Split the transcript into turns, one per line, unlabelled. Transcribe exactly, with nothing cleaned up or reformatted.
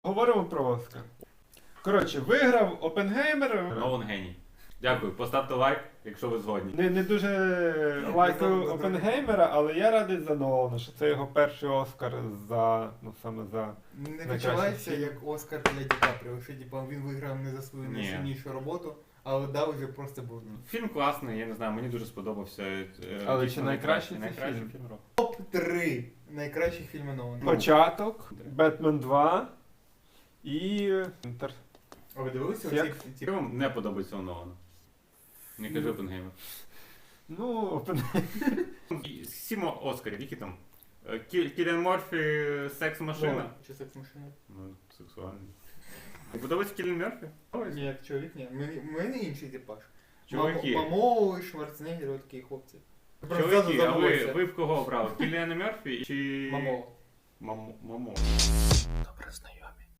Говоримо про Оскар. Коротше, виграв Опенгеймер.
Нолан геній. Дякую, поставте лайк, якщо ви згодні.
Не, не дуже лайкаю Опенгеймера, але я радий за Нолана, що це його перший Оскар за, ну саме за...
Не
Найкращий
відчувається
фільм.
як Оскар для Ді Капріо, що типа, він виграв не за свою
Ні.
найсильнішу роботу, але дав вже просто був.
Фільм класний, я не знаю, мені дуже сподобався. е,
Але
дійсно
чи найкращий це
найкращий
фільм?
фільм року.
Топ три найкращих фільмів Нолана.
Початок, Бетмен два і... Інтер...
А ви дивилися
Як?
оці ті?
Що вам не подобається у Нолана? Не кажи Опенгеймер.
Ну, Опенгеймер...
Сім Оскарів, які там? Е, Кі- Кіліан Морфі, секс-машина.
Чи секс машина?
Ну, сексуальний. Не подобається Кіліан Морфі?
Ні, як чоловік, ні. Ми- У мене інший типаж.
Чуваки.
Мамоу, Шварценеггер, от такі хлопці.
Чоловіки, а ви, ви в кого обрали? Кіліана Мерфі чи...
Мамоу.
Мамо. Мамо.
Добре знайомі.